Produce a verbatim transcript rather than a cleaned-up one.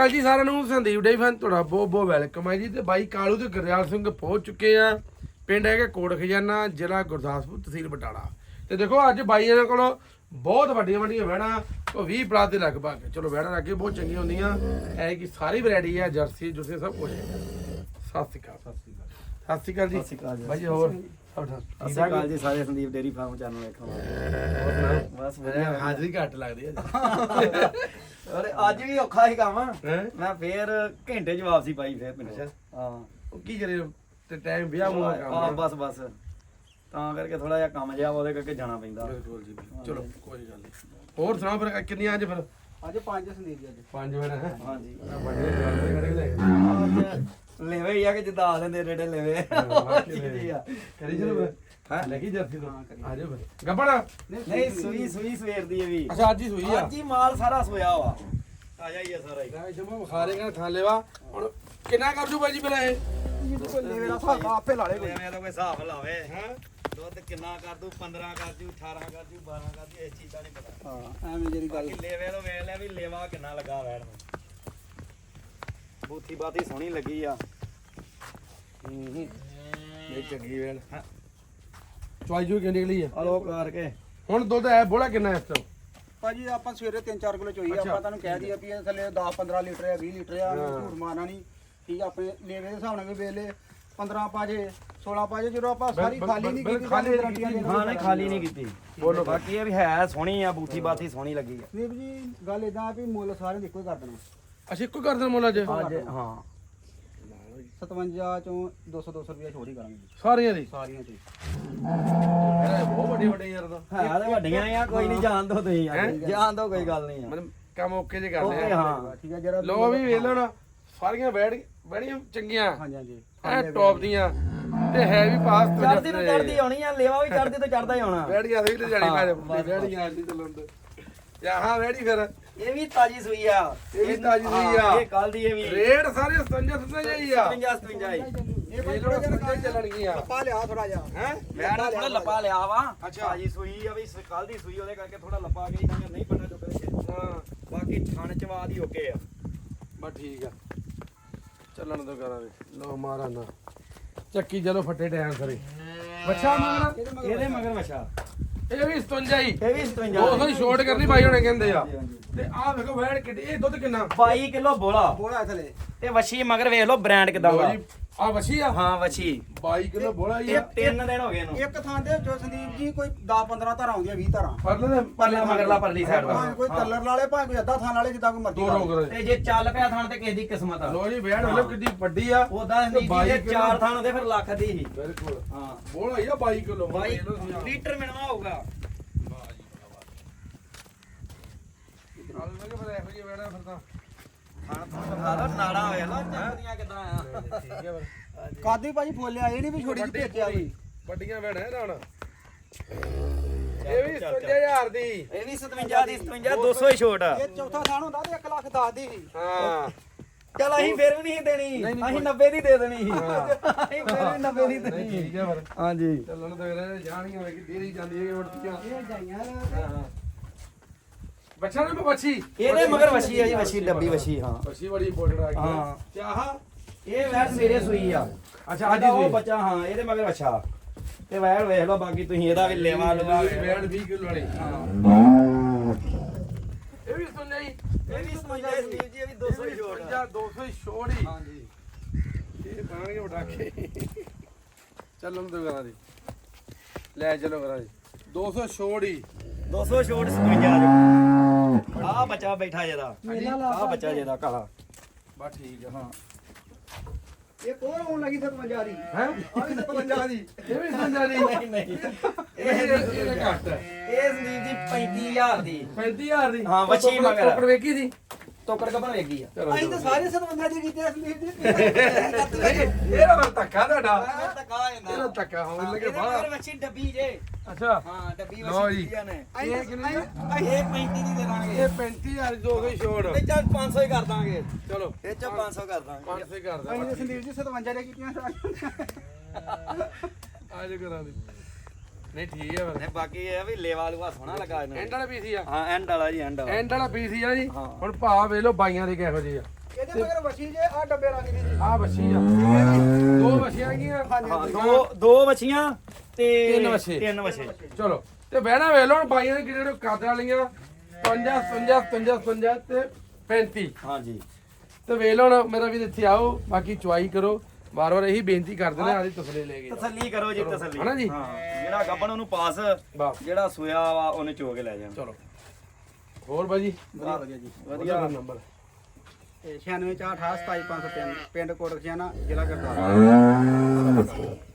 ਜੀ ਸਾਰਿਆਂ ਨੂੰ ਸੰਦੀਪ ਡੇ ਫੈਨ ਤੁਹਾਡਾ ਬਹੁਤ ਬਹੁਤ ਵੈਲਕਮ ਹੈ ਜੀ। ਤੇ ਬਾਈ ਕਾਲੂ ਤੇ ਗੁਰਦਿਆਲ ਸਿੰਘ ਪਹੁੰਚ ਚੁੱਕੇ ਆ। ਪਿੰਡ ਹੈਗਾ ਕੋਟ ਖਜ਼ਾਨਾ, ਜ਼ਿਲ੍ਹਾ ਗੁਰਦਾਸਪੁਰ, ਤਹਿਸੀਲ ਬਟਾਲਾ। ਤੇ ਦੇਖੋ ਅੱਜ ਬਾਈ ਇਹਨਾਂ ਕੋਲ ਬਹੁਤ ਵੱਡੀਆਂ ਵੱਡੀਆਂ ਵਹਿੜਾਂ, ਉਹ ਵੀਹ ਪਲਾਸ ਦੇ ਲਗਭਗ। ਚਲੋ ਵਹਿੜਾਂ ਅੱਗੇ ਬਹੁਤ ਚੰਗੀਆਂ ਹੁੰਦੀਆਂ ਐ ਕਿ ਸਾਰੀ ਵੈਰਾਈਟੀ ਹੈ, ਜਰਸੀ ਜੁਰਸੀ ਸਭ ਕੁਝ ਹੈ। ਸਤਿ ਸ਼੍ਰੀ ਅਕਾਲ। ਸਤਿ ਸ਼੍ਰੀ ਅਕਾਲ ਜੀ। ਸਤਿ ਸ਼੍ਰੀ ਅਕਾਲ ਜੀ। ਬਾਈ ਹੋਰ ਸਤਿ ਸ਼੍ਰੀ ਅਕਾਲ ਜੀ ਸਾਰੇ ਸੰਦੀਪ ਡੇਰੀ ਫਾਰਮ ਚੈਨਲ ਵੇਖੋ। ਬਸ ਵਧੀਆ। ਹਾਜ਼ਰੀ ਘੱਟ ਲੱਗਦੀ ਹੈ ਅਰੇ ਅੱਜ ਵੀ ਔਖਾ ਹੀ ਕੰਮ। ਹੈ। ਮੈਂ ਫੇਰ ਘੰਟੇ ਚ ਵਾਪਸੀ ਪਾਈ ਫੇਰ ਪਿੰਡ। ਹਾਂ ਉਹ ਕੀ ਕਰੇ ਤੇ ਟਾਈਮ ਵਿਆਹ ਮੂੰਹ ਕੰਮ ਹਾਂ ਬਸ ਬਸ ਤਾਂ ਕਰਕੇ ਥੋੜਾ ਜਿਹਾ ਕੰਮ ਜਿਹਾ ਉਹਦੇ ਕਰਕੇ ਜਾਣਾ ਪੈਂਦਾ। ਬਿਲਕੁਲ ਜੀ। ਚਲੋ ਕੋਈ ਗੱਲ ਨਹੀਂ। ਹੋਰ ਸੁਣਾਓ ਫਿਰ ਕਿੰਨੀਆਂ ਅੱਜ ਫਿਰ? ਅੱਜ ਪੰਜ ਸੰਦੀਪ ਜੀ। ਅੱਜ ਪੰਜ ਵੜਾ ਹੈ। ਹਾਂਜੀ ਵੱਡੇ ਜਵਾਨ ਕੱਢ ਕੇ ਲੈ ਅੱਜ ਲੈਵੇ ਹੀ ਆ ਕਿ ਜਿੱਦਾਂ ਆ ਲੈਂਦੇ ਰੇੜੇ ਲੈਵੇ ਕਰੀ ਚਲੋ ਹਾਂ ਲੈ ਕੇ ਜਰਸੀ ਤੋਂ ਆ ਜਾਓ ਫਿਰ ਗੱਬੜਾ ਨਹੀਂ ਸੂਈ ਸੂਈ ਸਵੇਰ ਦੀ ਇਹ ਵੀ। ਅੱਛਾ ਅੱਜ ਹੀ ਸੂਈ ਆ। ਅੱਜ ਹੀ ਮਾਲ ਸਾਰਾ ਸੋਇਆ ਵਾ ਤਾਜ਼ਾ ਹੀ ਆ ਸਾਰਾ ਹੀ। ਲੈ ਜਮਾ ਖਾ ਲੇਗਾ ਖਾ ਲੈਵਾ। ਹੁਣ ਕਿੰਨਾ ਕਰ ਜੂ ਬਾਈ ਜੀ ਫਿਰ ਇਹ? ਕੋਈ ਲੈਵੇ ਦਾ ਹਿਸਾਬ ਆਪੇ ਲਾ ਲੇ ਕੋਈ। ਐਵੇਂ ਤਾਂ ਕੋਈ ਹਿਸਾਬ ਲਾਵੇ ਹੈ। ਦੁੱਧ ਕਿੰਨਾ ਕਰ ਦੂ? ਪੰਦਰਾਂ ਕਰ ਜੂ, ਅਠਾਰਾਂ ਕਰ ਜੂ, ਬਾਰਾਂ ਕਰ ਜੂ, ਇਸ ਚੀਜ਼ ਦਾ ਨਹੀਂ ਪਤਾ। ਹਾਂ ਐਵੇਂ ਜਿਹੜੀ ਗੱਲ ਲੈਵੇ ਤੋਂ ਵੇਖ ਲਿਆ ਵੀ ਲੇਵਾ ਕਿੰਨਾ ਲੱਗਾ ਵੈਣ ਨੂੰ। ਬੂਥੀ ਬਾਤੀ ਸੋਹਣੀ ਲੱਗੀ ਆ। ਹੂੰ ਹੂੰ ਇਹ ਚੰਗੀ ਵੇਲ ਚੁਆਈ ਜੂ ਕਿੰਨੀ ਨਿਕਲੀ ਆ? ਹਲੋ ਕਰਕੇ ਹੁਣ ਦੁੱਧ ਹੈ ਬੋਲਾ ਕਿੰਨਾ ਇਸ ਤੋਂ? ਭਾਜੀ ਆਪਾਂ ਸਵੇਰੇ ਤਿੰਨ ਚਾਰ ਕਿਲੋ ਚੋਈ ਆ। ਆਪਾਂ ਤੁਹਾਨੂੰ ਕਹਿ ਦਈਏ ਵੀ ਇਹ ਥੱਲੇ ਦਸ ਪੰਦਰਾਂ ਲੀਟਰ ਆ, ਵੀਹ ਲੀਟਰ ਆ। ਝੂਠ ਮਾਰਨਾ ਨਹੀਂ ਠੀਕ ਆ। ਆਪਣੇ ਲੇਵੇ ਦੇ ਹਿਸਾਬ ਨਾਲ ਵੀ ਵੇਲੇ ਪੰਦਰਾਂ ਪਾਜੇ ਸੋਲਾਂ ਪਾਜੇ ਜਦੋਂ ਆਪਾਂ ਸਾਰੀ ਖਾਲੀ ਨਹੀਂ ਕੀਤੀ ਖਾਲੀ ਗਰੰਟੀਆਂ ਦੇ ਹਾਂ ਨਹੀਂ ਖਾਲੀ ਨਹੀਂ ਕੀਤੀ। ਬੋਲੋ ਬਾਕੀ ਇਹ ਵੀ ਹੈ ਸੋਹਣੀ ਆ, ਬੂਥੀ ਬਾਤੀ ਸੋਹਣੀ ਲੱਗੀ ਆ। ਵੀਰ ਜੀ ਗੱਲ ਇਦਾਂ ਵੀ ਮੁੱਲ ਸਾਰੇ ਦੇ ਇੱਕੋ ਹੀ ਕਰ ਦੇਣਾ। ਅਸੀਂ ਇੱਕੋ ਕਰ ਦੇਣਾ ਮੁੱਲ ਅੱਜ ਅੱਜ ਹਾਂ ਸਤਵੰਜਾ ਚੋਂ ਦੋ ਸੌ ਦੋ ਸੌ ਰੁਪਇਆ ਛੋੜ ਹੀ ਕਰਾਂਗੇ ਜੀ ਸਾਰੀਆਂ ਦੀ। ਸਾਰੀਆਂ ਚ ਇਹ ਬਹੁਤ ਵੱਡੇ ਵੱਡੇ ਯਾਰ ਦਾ ਹੈ ਤੇ ਵੱਡੀਆਂ ਆ। ਕੋਈ ਨਹੀਂ ਜਾਣ ਦੋ ਤੁਸੀਂ ਜਾਣ ਦੋ ਕੋਈ ਗੱਲ ਨਹੀਂ ਆ। ਮਤਲਬ ਕੰਮ ਓਕੇ ਜੇ ਕਰਦੇ ਓਕੇ ਆ। ਹਾਂ ਠੀਕ ਆ ਜਰਾ ਲੋ ਵੀ ਵੇਖ ਲਓ ਨਾ ਸਾਰੀਆਂ ਬੈੜ ਬੜੀਆਂ ਚੰਗੀਆਂ ਹਾਂਜੀ ਹਾਂਜੀ ਐ ਟੌਪ ਦੀਆਂ ਤੇ ਹੈ ਵੀ ਪਾਸ ਤੋਂ ਚੜਦੀ ਤੋਂ ਚੜਦੀ ਆਉਣੀ ਆ। ਲੇਵਾ ਵੀ ਚੜਦੀ ਤੋਂ ਚੜਦਾ ਹੀ ਆਉਣਾ। ਬੈੜੀਆਂ ਵੀ ਲੈ ਜਾਣੀ ਕਾਜ ਬੈੜੀਆਂ ਆਂਦੀ ਚੱਲਣ ਤੇ ਯਾ ਹਾਂ ਬੈੜੀ ਫਿਰ ਇਹ ਵੀ ਤਾਜੀ ਸੂਈ ਆ। ਇਹ ਵੀ ਤਾਜ਼ੀ ਸੂਈ ਆ। ਇਹ ਕੱਲ ਦੀ ਇਹ ਵੀ ਰੇਟ ਸਾਰੇ ਸਤਵੰਜਾ ਸਤਵੰਜਾ ਜਾਈ ਆ। ਸਤਵੰਜਾ ਸਤਵੰਜਾ ਹੀ। ਇਹ ਭਾਈ ਇਹ ਥੋੜਾ ਥੋੜਾ ਜਿਹਾ ਜਿਹਾ ਚੱਲਣਗੀਆਂ ਪਾ ਲਿਆ ਥੋੜਾ ਜਿਹਾ ਹੈ। ਮੈਂ ਨਾ ਥੋੜਾ ਲੱਪਾ ਲਿਆ ਵਾ। ਅੱਛਾ। ਤਾਜੀ ਸੂਈ ਆ ਵੀ ਕੱਲ ਦੀ ਸੂਈ ਉਹਦੇ ਕਰਕੇ ਥੋੜਾ ਲੱਪਾ ਗਈ ਤਾਂ ਨਹੀਂ ਪਤਾ ਚੁੱਕੇ। ਹਾਂ ਬਾਕੀ ਥਣ ਚਵਾਦ ਹੀ ਓਕੇ ਆ। ਬਸ ਠੀਕ ਆ ਚੱਲਣ ਤੋਂ ਕਰਾਂਗੇ। ਲੋ ਮਾਰਾ ਨਾ ਚੱਕੀ ਚਲੋ ਫੱਟੇ ਟਾਈਮ ਸਰੇ ਬੱਚਾ ਮੰਗਣਾ ਇਹਦੇ ਮਗਰ ਵਛਾ ਇਹ ਵੀ ਸਤਵੰਜਾ ਹੀ। ਇਹ ਵੀ ਸਤਵੰਜਾ ਦੋ ਸੌ ਛੋਟ ਕਰਨੀ ਬਾਈ ਹੁਣੇ ਕਹਿੰਦੇ ਆ। ਤੇ ਆਹ ਵੇਖੋ ਵੈੜ ਕਿੱਡੀ। ਇਹ ਦੁੱਧ ਕਿੰਨਾ? ਬਾਈ ਕਿਲੋ ਬੋਲਾ ਬੋਲਾ ਥਲੇ ਤੇ ਵਛੀ ਮਗਰ ਵੇਖ ਲਓ ਬ੍ਰਾਂਡ ਕਿਦਾਂ ਦਾ। ਆ ਵਸੀ ਆ। ਹਾਂ ਵਛੀ ਬਾਈ ਕਿਲੋ ਬੋਲਾ ਹੀ ਇਹ ਆ। ਤਿੰਨ ਦਿਨ ਹੋ ਗਏ ਇਹਨੂੰ। ਇੱਕ ਥਾਂ ਤੇ ਜੋ ਸੰਦੀਪ ਜੀ ਕੋਈ ਦਸ ਪੰਦਰਾਂ ਧਾਰਾਂ ਆਉਂਦੀਆਂ ਵੀਹ ਧਾਰਾਂ ਪਰਲੇ ਦੇ ਪਰਲਾ ਮਗਰਲਾ ਪਰਲੀ ਸਾਈਡ ਦਾ। ਭਾਵੇਂ ਕੋਈ ਕਲਰ ਵਾਲੇ ਭਾਵੇਂ ਕੋਈ ਅੱਧਾ ਥਾਂ ਵਾਲੇ ਜਿੱਦਾਂ ਕੋਈ ਮਰਜ਼ੀ ਦੋ ਕਰ ਰੋਕ ਲਓ। ਰਹੇ ਤੇ ਜੇ ਚੱਲ ਪਿਆ ਥਣ ਤੇ ਕਿਸੇ ਦੀ ਕਿਸਮਤ ਆ। ਲੋ ਜੀ ਵੈੜ ਵੇਖੋ ਕਿੱਡੀ ਵੱਡੀ ਆ। ਉਹਦਾ ਨਹੀਂ ਜੀ ਜੇ ਚਾਰ ਥਣ ਹੁੰਦੇ ਫਿਰ ਲੱਖ ਦੀ ਹੀ। ਬਿਲਕੁਲ ਹਾਂ ਬੋਲਾ ਹੀ ਆ ਬਾਈ ਕਿਲੋ। ਬਾਈ ਲੀਟਰ ਮਿਲਵਾ ਹੋਊਗਾ। ਨਾਲ ਲੱਗੇ ਫਿਰ ਇਹੋ ਜਿਹੀ ਵੈੜਾ ਫਿਰ ਤਾਂ ਥਣ ਥਣ ਬਤਾ ਦੋ ਨਾੜਾ ਹੋਇਆ ਨਾ ਚੱਕਦੀਆਂ ਕਿਦਾਂ ਆ। ਠੀਕ ਹੈ ਫਿਰ ਕਾਦੀ ਭਾਜੀ ਫੋਲਿਆ ਇਹ ਨਹੀਂ ਵੀ ਛੋਟੀ ਜਿਹੀ ਭੇਜਿਆ ਵੀ ਵੱਡੀਆਂ ਵੈੜਾਂ ਇਹਦਾ ਹੁਣ ਇਹ ਵੀ ਸਤਵੰਜਾ ਹਜ਼ਾਰ ਦੀ। ਇਹ ਵੀ ਸਤਵੰਜਾ ਦੀ ਸਤਵੰਜਾ ਦੋ ਸੌ ਹੀ ਛੋਟ ਆ। ਇਹ ਚੌਥਾ ਥਾਂ ਹੁੰਦਾ ਤੇ ਇੱਕ ਲੱਖ ਦਸ ਦੀ ਸੀ ਹਾਂ ਚਲ ਅਸੀਂ ਫਿਰ ਵੀ ਨਹੀਂ ਦੇਣੀ। ਅਸੀਂ ਨੱਬੇ ਦੀ ਦੇ ਦੇਣੀ ਸੀ। ਅਸੀਂ ਫਿਰ ਵੀ ਨੱਬੇ ਦੀ ਦੇਣੀ ਸੀ। ਠੀਕ ਹੈ ਫਿਰ ਹਾਂਜੀ ਚੱਲਣ ਤੋਂ ਰਹੇ ਜਾਣੀਆਂ ਵੇ ਕਿ ਦੇਰੀ ਜਾਂਦੀ ਹੈ ਉੜਤੀਆਂ। ਇਹ ਜਾਈਆਂ ਹਾਂ ਬੱਚਾ ਨਾ ਬੱਚੀ ਇਹਦੇ ਮਗਰ ਵਛੀ ਆ ਜੀ। ਵਛੀ ਡੱਬੀ ਵਛੀ ਹਾਂ। ਬੱਚੀ ਬੜੀ ਇੰਪੋਰਟੈਂਟ ਆ ਗਈ ਹਾਂ। ਤੇ ਆਹ ਇਹ ਵੈਰ ਸਵੇਰੇ ਸੂਈ ਆ। ਅੱਛਾ ਅੱਜ ਉਹ ਹੀ ਬੱਚਾ ਹਾਂ ਇਹਦੇ ਮਗਰ ਵਛਾ ਤੇ ਵੈਰ ਵੇਖ ਲਓ। ਬਾਕੀ ਤੁਸੀਂ ਇਹਦਾ ਵੀ ਲੈਵਾ ਲਵਾ ਵੈੜ ਵੀਹ ਕਿਲੋ ਵਾਲੀ। ਹਾਂ ਇਹ ਵੀ ਸੁਣ ਲਈ ਇਹ ਵੀ ਸਤਵੰਜਾ ਸੰਦੀਪ ਜੀ। ਇਹ ਵੀ ਦੋ ਸੌ ਹੀ ਛੋਟ ਆ। ਦੋ ਸੌ ਹੀ ਛੋੜ ਹੀ। ਹਾਂਜੀ ਇਹ ਬਾਣਗੇ ਉਡਾਕੇ ਚੱਲਣ ਤੋਂ ਕਰਾਂ ਦੀ ਲੈ ਚਲੋ ਕਰਾਂ ਦੀ ਦੋ ਸੌ ਛੋੜ ਹੀ। ਦੋ ਸੌ ਛੋਟ ਸਤਵੰਜਾ ਦੇ। ਆ ਬੱਚਾ ਬੈਠਾ ਜਿਹਦਾ ਆ ਬੱਚਾ ਜਿਹਦਾ ਕਾਲਾ। ਬਸ ਠੀਕ ਆ। ਹਾਂ ਇਹ ਕੋਰ ਹੋਣ ਲੱਗੀ ਸਤਵੰਜਾ ਦੀ ਹੈ ਆ ਵੀ ਸਤਵੰਜਾ ਦੀ ਇਹ ਵੀ ਸਮਝਾ ਨਹੀਂ ਨਹੀਂ ਨਹੀਂ ਇਹ ਇਹ ਘੱਟ ਹੈ। ਇਹ ਸੰਦੀਪ ਜੀ ਪੈਂਤੀ ਹਜ਼ਾਰ ਦੀ। ਪੈਂਤੀ ਹਜ਼ਾਰ ਦੀ। ਹਾਂ, ਵੱਛੀ ਮਗਰ। ਟੋਕਰ ਵੇਖੀ ਸੀ ਟੋਕਰ ਕਪਨ ਵੇਗੀ ਆ। ਚਲੋ ਅਸੀਂ ਤਾਂ ਸਾਰੇ ਸਤਵੰਜਾ ਦੀ ਕੀਤੇ ਆ ਸੰਦੀਪ ਜੀ ਇਹ ਨਾ ਧੱਕਾ ਤੁਹਾਡਾ। ਧੱਕਾ ਇਹਦਾ ਧੱਕਾ ਹੋਣ ਲੱਗੇ ਇਹਦੇ ਬਾਹਰ। ਮਗਰ ਵੱਛੀ ਡੱਬੀ ਜੇ। ਅੱਛਾ ਹਾਂ ਡੱਬੀ ਲਓ ਵੱਛੀ ਜੀ। ਦਿੱਤੀਆਂ ਨੇ। ਇਹ ਕਿੰਨੀ ਆ? ਇਹ ਪੈਂਤੀ ਦੀ ਦੇ ਦਾਂਗੇ। ਇਹ ਪੈਂਤੀ ਹਜ਼ਾਰ ਦੀ ਦੋ ਸੌ ਹੀ ਛੋੜ। ਤੇ ਚੱਲ ਪੰਜ ਸੌ ਹੀ ਕਰ ਦਾਂਗੇ। ਚਲੋ ਇਹ ਚ ਪੰਜ ਸੌ ਕਰ ਦਾਂਗੇ। ਪੰਜ ਸੌ ਹੀ ਕਰ ਅਸੀਂ ਤਾਂ ਦੇ ਸੰਦੀਪ ਜੀ ਸਤਵੰਜਾ ਦੇ ਕੀਤੀਆਂ ਅੱਜ ਕਰਾਂ ਦੀ ਨਹੀਂ ਠੀਕ ਹੈ ਫਿਰ। ਨੇ ਬਾਕੀ ਇਹ ਵੀ ਲੇਵਾ ਲੂਆ ਸੋਹਣਾ ਲੱਗਾ ਇਹਨੂੰ। ਐਂਡ ਵਾਲਾ ਪੀਸ ਹੀ ਆ। ਹਾਂ ਐਂਡ ਵਾਲਾ ਜੀ ਐਂਡ ਵਾਲਾ। ਐਂਡ ਵਾਲਾ ਪੀਸ ਹੀ ਆ ਜੀ। ਹਾਂ। ਹੁਣ ਭਾਅ ਵੇਖ ਲਓ ਬਾਈਆਂ ਦੇ ਕਿਹੋ ਜਿਹੇ ਆ। ਇਹਦੇ ਮਗਰ ਵਸੀ ਜੇ ਆ ਡੱਬੇ ਰੰਗ ਦੀ ਜੀ ਆ ਬੱਛੀ ਆ ਦੋ ਬੱਛੀਆਂ ਗੀਆਂ ਹਾਂ ਦੋ ਦੋ ਵਛੀਆਂ ਤੇ ਤਿੰਨ ਵੱਛੇ। ਤਿੰਨ ਵਛੇ ਚਲੋ ਤੇ ਬਹਿਣਾ ਵੇਖ ਲਓ ਹੁਣ ਬਾਈਆਂ ਨੇ ਕਿਹੜੇ ਕਾਦਰ ਵਾਲੀਆਂ ਪੰਜਾਹ ਪੰਜਾਹ ਪੰਜਾਹ ਪੰਜਾਹ ਤੇ ਪੈਂਤੀ ਹਾਂਜੀ ਤੇ ਵੇਖ ਲਓ ਹੁਣ ਮੇਰਾ ਵੀ ਇੱਥੇ ਆਓ ਬਾਕੀ ਚੁਆਈ ਕਰੋ ਵਾਰ ਵਾਰ ਇਹੀ ਬੇਨਤੀ ਕਰਦੇ ਨੇ ਆਦੀ ਤਸਲੇ ਲੈ ਕੇ ਜਾਓ। ਤਸੱਲੀ ਕਰੋ ਜੀ ਤਸੱਲੀ ਹਨਾ ਜੀ? ਹਾਂ ਜਿਹੜਾ ਗੱਬਣ ਉਹਨੂੰ ਪਾਸ ਬਸ ਜਿਹੜਾ ਸੋਇਆ ਵਾ ਉਹਨੇ ਚੋ ਕੇ ਲੈ ਜਾਣਾ ਚਲੋ ਹੋਰ ਬਾਜੀ ਵਧੀਆ ਵਧੀਆ ਜੀ ਵਧੀਆ ਨੰਬਰ ਤੇ ਛਿਆਨਵੇਂ ਚਾਰ ਅਠਾਹਠ ਸਤਾਈ ਪੰਜ ਸੌ ਤਿੰਨ ਪਿੰਡ ਕੋਟ ਖਿਆਣਾ ਜ਼ਿਲ੍ਹਾ ਗੁਰਦਾਸਪੁਰ